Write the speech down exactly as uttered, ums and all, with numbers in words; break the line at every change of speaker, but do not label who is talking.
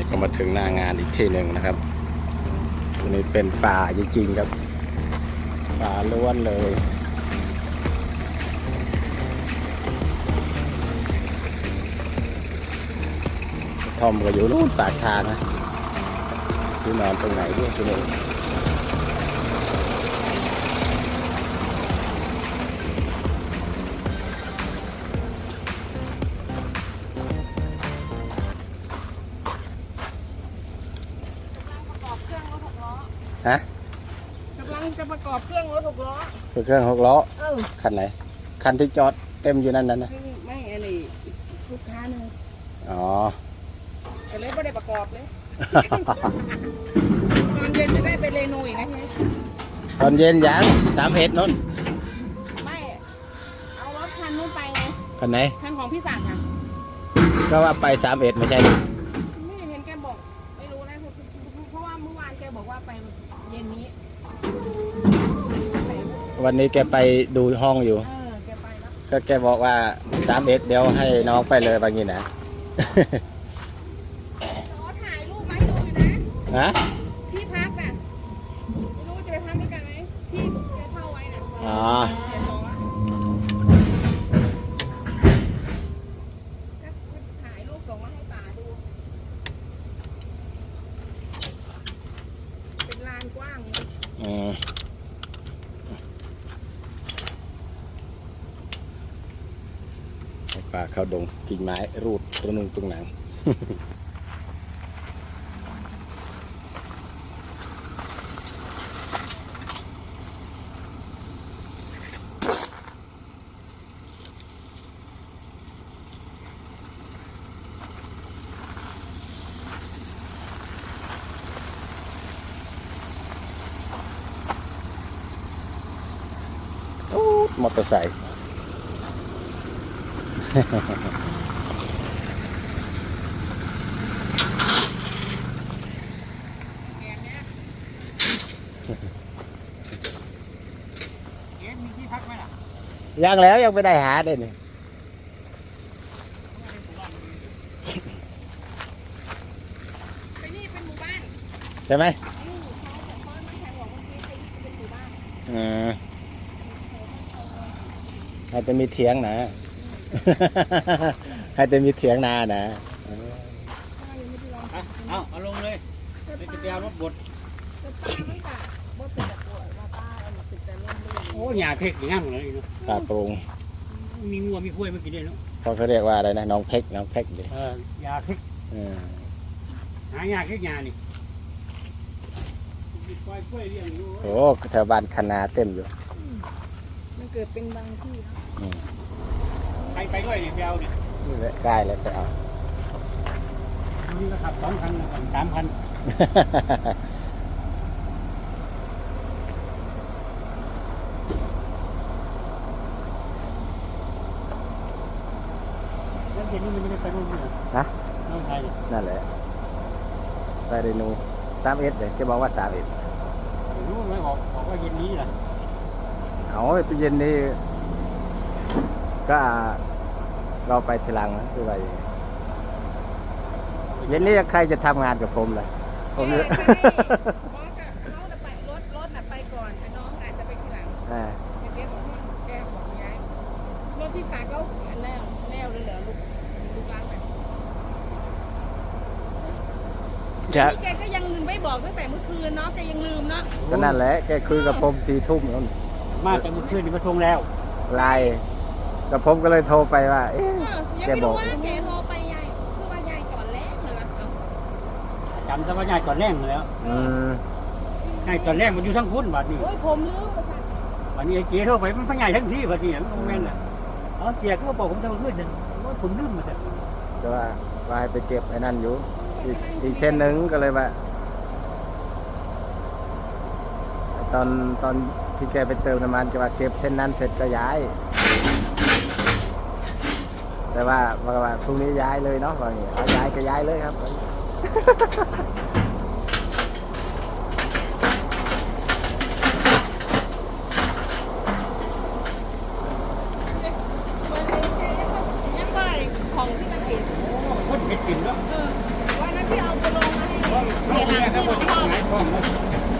ก็มาถึงหน้างานอีกที่หนึ่งนะครับตัวนี้เป็นป่าจริงๆครับป่าล้วนเลยทอมก็อยู่นู่นปากทางนะที่นอนตรงไหนด้วยที่นี่ฮะ
กำลังจะประกอบเครื่องรถหกล้อ
เครื่องหกล้อคันไหนคันที่จอดเต็มอยู่นั่นนั่นนะ
ไม่อันนี้ลูกค้าหนึ่ง
อ๋อ
แต่เลยไม่ได้ประกอบเลยตอนเย็นจะได้ไปเรโนอีกไหม
ตอนเย็นยังสามเอ็ดนู้น
ไม่เอารถคันนู้นไปไง
คันไหน
คันของพี่สั่งค่ะ
ก็ว่าไปสามเอ็ดไม่ใช่
ไม่เห็นแกบอกไม่รู้นะเพราะว่าเมื่อวานแกบอกว่าไปเย็นนี้
วันนี้แกไปดูห้องอยู่ก็แกบอกว่าสามเอ็ดเดี๋ยวให้น้องไปเลยบางงี้นะ
ถ่ายรูปมาให้ดูนะ
ฮะ
ที่พักน่ะไม่รู้จะไปพักด้วยกันไหมที่แกเช่าไว้น่ะ
อ๋อ
ถ่ายรูปส่งมาให้ป๋าดูเป็นลานกว้าง
อืมป่าเข้าดงกิ่งไม้รูดตรงนึงตรงหนังมอเตอร์ไซค์ยังแล้วยังไม่ได้หาเด่นใช่ไหมอืมให้จะมีเถียงนะให้จะมีเถียงนานะ
เอาเอาลงเลยไปจะไปเอารถบดโอ้ยาเพ็กอย่างงั้นเลยเนาะ
ปลาปรุง
มีงัวมีกล้วยมากินได้เนาะ
เขาเรียกว่าอะไรนะน้องเพ็กน้องเพ็กเลย
เออยาเพ็กหายาเพ็กยานี่
โอ้แถวบ้านคณาเต็มอยู่
มันเกิดเป็นบางที่
ใครไปด้วยเนี่ยไปเอาเนี่ย
ใกล้แล้วไปเอา
นี่ก็ขับสองคันสามคันแล้วเย็นนี้มันจะได้ไปนู่นไหม
ฮะ
น้องไทย
นั่นแหละไปเรนูสามเอ็ดเลยจะบอกว่าสามเอ็ด
รู้ไหมบอกบอกว่าเย็นนี้แหละ
เอาไปเย็นนี้ก็เราไปทีหลังนะคือว่าเย็นนี้ใครจะทำงานกับผมเลยผมเนี่ย
เขาจะไปรถรถไปก่อนแต่น้องอาจจะไปทีหลังแกบอกว่าแกบอกย้ายรถพี่สาวก็แนวแนวเลยเหรอลูกลูกล้างแบบนี่แกก็ยังลืมไม่บอกตั้งแต่เมื่อคืนเนาะแกยังลืมเนาะ
ก็นั่นแหละแกคุยกับผมสี่ทุ่มนั่น
มาแต่เมื่อคืนนี่มาส่งแล้ว
ไลน์กับผมก็เลยโทรไปว่าเอ๊ะ
แกบอกว่าแกโทรไปยายคือว่ายายก่อนแรกเลยนะ
จำแต่ว่ายายก่อนแรกแล้วยายก่อนแรกมันอยู่ทั้งคุ้นบัดนี้
โอ้ยผมลืม
บัดนี้ไอ้เจ๊โทรไปมันพยายทั้งที่บัดนี้มันโมเมนต์น่ะอ๋อเจ๊ก็บอกผมจะมาขึ้นเนี่ยว่าผมลืมมาแต่
จะว่าว่าให้ไปเก็บไอ้นั่นอยู่อีกเส้นหนึ่งก็เลยว่าตอนตอนที่แกไปเติมน้ำมันจะว่าเก็บเส้นนั้นเสร็จก็ย้ายแต่ว่าว่าพรุ่งนี้ย้ายเลยเนาะว่าอย่างนี้เอาย้ายก็ย้ายเลยครับ
ยังไงของที่มันเห็น
คนเห็ดกินแล้ว
ว่านั่นที่เอาไปลงมาให้เสียหลังที่ของพ่อน่ะ